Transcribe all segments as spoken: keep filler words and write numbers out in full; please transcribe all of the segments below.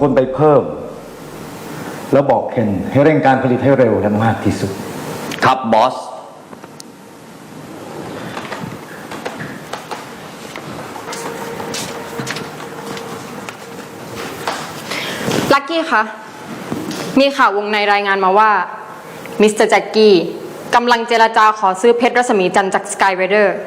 คนไปเพิ่มแล้วบอกเคนให้เร่งการผลิตให้เร็วและมากที่สุดครับบอสลักกี้คะมีข่าววงในรายงานมาว่ามิสเตอร์แจ็คกี้กำลังเจรจาขอซื้อเพชรรัศมีจันทร์จากสกายไรเดอร์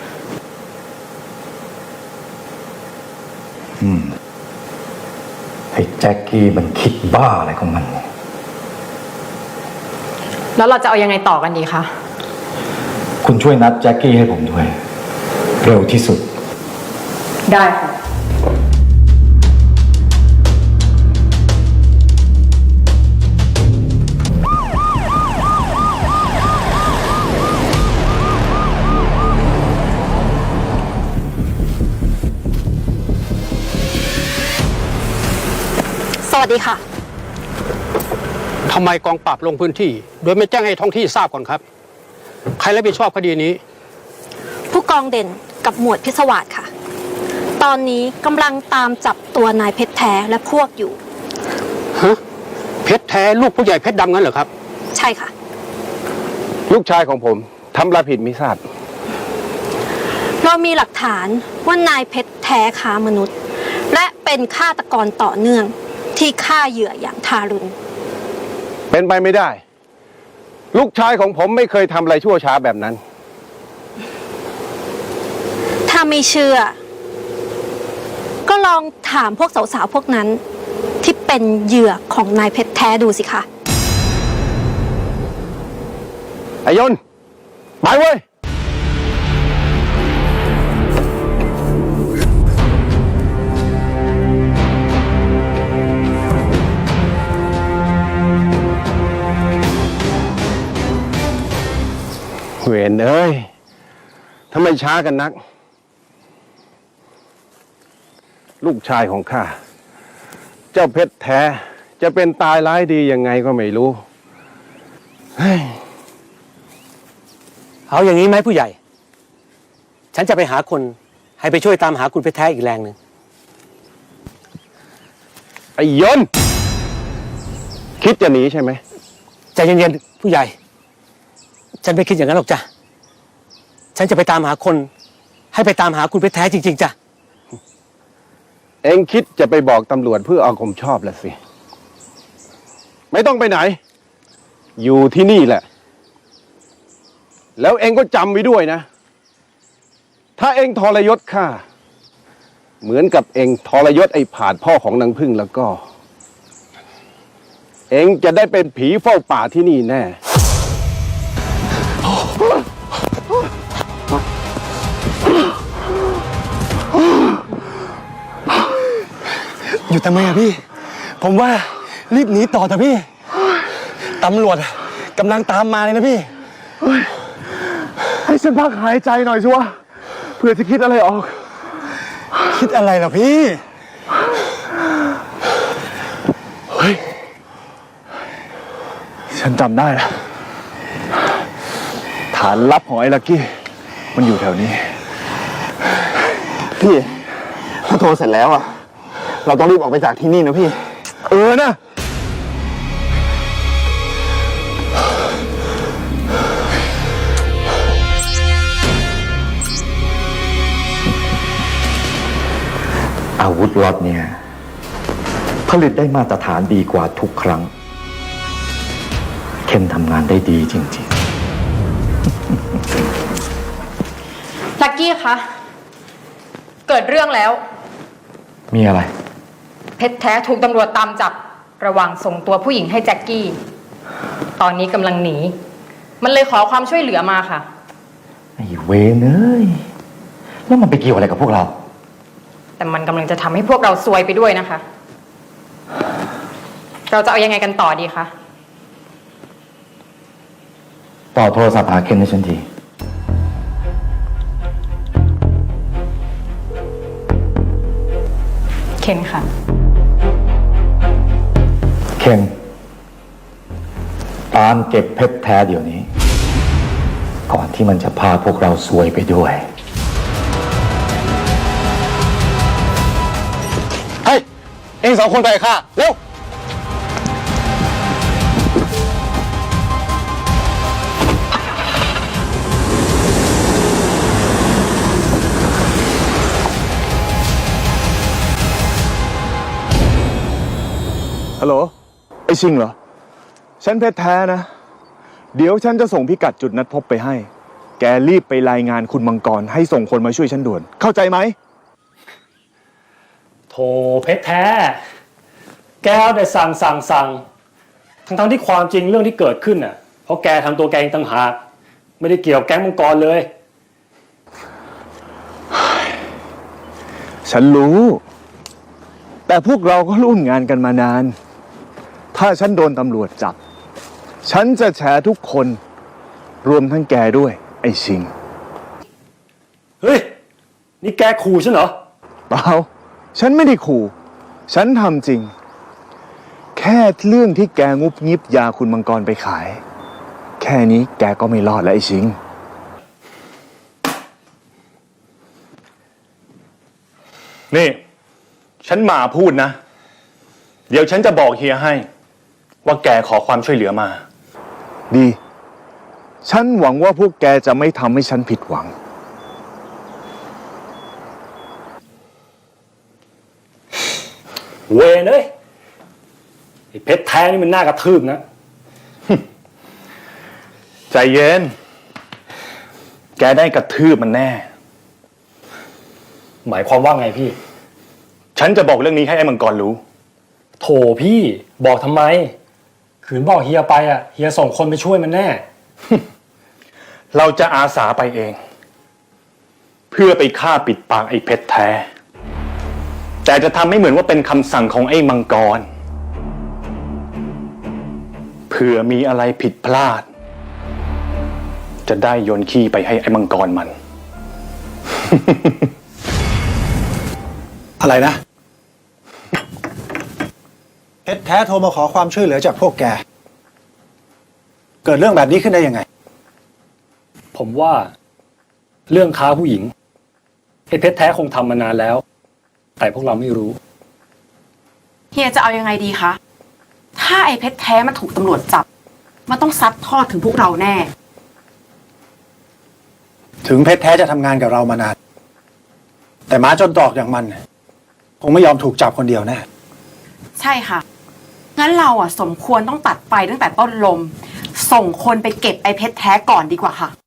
อืมไอ้แจ็คกี้มันคิดบ้าอะไรของมันเนี่ยแล้วเราจะเอายังไงต่อกันดีคะคุณช่วยนัดแจ็คกี้ให้ผมด้วยเร็วที่สุดได้ค่ะสวัสดีค่ะทำไมกองปราบลงพื้นที่โดยไม่แจ้งให้ท้องที่ทราบก่อนครับใครรับผิดชอบคดีนี้ผู้กองเด่นกับหมวดพิศวาสค่ะตอนนี้กำลังตามจับตัวนายเพชรแท้และพวกอยู่ฮะเพชรแท้ลูกผู้ใหญ่เพชรดำงั้นเหรอครับใช่ค่ะลูกชายของผมทำอะไรผิดมิทราบเรามีหลักฐานว่านายเพชรแท้ค้ามนุษย์และเป็นฆาตกรต่อเนื่องที่ฆ่าเหยื่ออย่างทารุณเป็นไปไม่ได้ลูกชายของผมไม่เคยทำอะไรชั่วช้าแบบนั้นถ้าไม่เชื่อก็ลองถามพวกสาวๆพวกนั้นที่เป็นเหยื่อของนายเพชรแท้ดูสิคะไอ้ยนต์ไปเว้ยเวรเอ้ยทำไมช้ากันนักลูกชายของข้าเจ้าเพชรแท้จะเป็นตายร้ายดียังไงก็ไม่รู้เฮ้ยเอาอย่างนี้ไหมผู้ใหญ่ฉันจะไปหาคนให้ไปช่วยตามหาคุณเพชรแท้อีกแรงหนึ่งไอ้ยนต์คิดจะหนีใช่ไหมใจเย็นๆผู้ใหญ่ฉันไม่คิดอย่างนั้นหรอกจ้ะฉันจะไปตามหาคนให้ไปตามหาคุณเพชรแท้จริงๆจ้ะเอ็งคิดจะไปบอกตำรวจเพื่อเอาความชอบละสิไม่ต้องไปไหนอยู่ที่นี่แหละแล้วเอ็งก็จำไว้ด้วยนะถ้าเอ็งทรยศข้าเหมือนกับเอ็งทรยศไอ้ผาดพ่อของนางพึ่งแล้วก็เอ็งจะได้เป็นผีเฝ้าป่าที่นี่แน่อยู่ทำไมอะพี่ผมว่ารีบหนีต่อเถอะพี่ตำรวจกำลังตามมาเลยนะพี่ให้ฉันพักหายใจหน่อยชัวเพื่อจะคิดอะไรออกคิดอะไรล่ะพี่เฮ้ยฉันจำได้แล้วฐานลับของไอ้ลักกี้มันอยู่แถวนี้พี่ถ้าโทรเสร็จแล้วอ่ะเราต้องรีบออกไปจากที่นี่นะพี่เออนะอาวุธล็อตเนี่ยผลิตได้มาตรฐานดีกว่าทุกครั้งเคนทำงานได้ดีจริงๆลักกี้คะเกิดเรื่องแล้วมีอะไรเพชรแท้ถูกตำรวจตามจับระหว่างส่งตัวผู้หญิงให้แจ็คกี้ตอนนี้กำลังหนีมันเลยขอความช่วยเหลือมาค่ะไอ้เวรเอ้ยแล้วมันไปเกี่ยวอะไรกับพวกเราแต่มันกำลังจะทำให้พวกเราซวยไปด้วยนะคะเราจะเอายังไงกันต่อดีคะต่อโทรศัพท์หาเคนให้ฉันทีเคนค่ะเคนตามเก็บเพชรแท้เดี๋ยวนี้ก่อนที่มันจะพาพวกเราซวยไปด้วยเฮ้ยเอ็งสองคนไปกับข้าเร็วฮัลโหล ไอชิงเหรอ ฉันเพชรแท้นะ เดี๋ยวฉันจะส่งพิกัดจุดนัดพบไปให้ แกรีบไปรายงานคุณมังกรให้ส่งคนมาช่วยฉันด่วน เข้าใจไหมโธ่เพชรแท้ แกเอาแต่สั่งสั่งสั่งทั้งทั้งที่ความจริงเรื่องที่เกิดขึ้นน่ะ เพราะแกทำตัวแกเองต่างหาก ไม่ได้เกี่ยวกับแก๊งมังกรเลยฉันรู้ แต่พวกเราก็ร่วมงานกันมานาน ถ้าฉันโดนตำรวจจับ ฉันจะแฉทุกคน รวมทั้งแกด้วย ไอชิงเฮ้ย นี่แกขู่ฉันเหรอเปล่า ฉันไม่ได้ขู่ ฉันทำจริง แค่เรื่องที่แกงุบงิบยาคุณมังกรไปขาย แค่นี้แกก็ไม่รอดแล้วไอ้ชิงนี่ ฉันมาพูดนะ เดี๋ยวฉันจะบอกเฮียให้ ว่าแกขอความช่วยเหลือมาดี ฉันหวังว่าพวกแกจะไม่ทำให้ฉันผิดหวังเวรเอ้ยไอ้เพชรแท้นี่มันน่ากระทืบนะใจเย็น แกได้กระทืบมันแน่หมายความว่าไงพี่ฉันจะบอกเรื่องนี้ให้ไอ้มังกรรู้โถพี่บอกทำไม ขืนบอกเฮียไปอ่ะเฮียส่งคนไปช่วยมันแน่เราจะอาสาไปเอง เพื่อไปฆ่าปิดปากไอ้เพชรแท้ แต่จะทำให้เหมือนว่าเป็นคำสั่งของไอ้มังกร เผื่อมีอะไรผิดพลาด จะได้โยนขี้ไปให้ไอ้มังกรมันอะไรนะเพชรแท้โทรมาขอความช่วยเหลือจากพวกแก เกิดเรื่องแบบนี้ขึ้นได้ยังไงผมว่าเรื่องค้าผู้หญิงไอ้เพชรแท้คงทำมานานแล้ว แต่พวกเราไม่รู้เฮียจะเอายังไงดีคะ ถ้าไอ้เพชรแท้มันถูกตำรวจจับ มันต้องซัดทอดถึงพวกเราแน่ถึงเพชรแท้จะทำงานกับเรามานาน แต่หมาจนตรอกอย่างมันคงไม่ยอมถูกจับคนเดียวแน่ใช่ค่ะ งั้นเราอ่ะสมควรต้องตัดไฟตั้งแต่ต้นลม ส่งคนไปเก็บไอ้เพชรแท้ก่อนดีกว่าค่ะ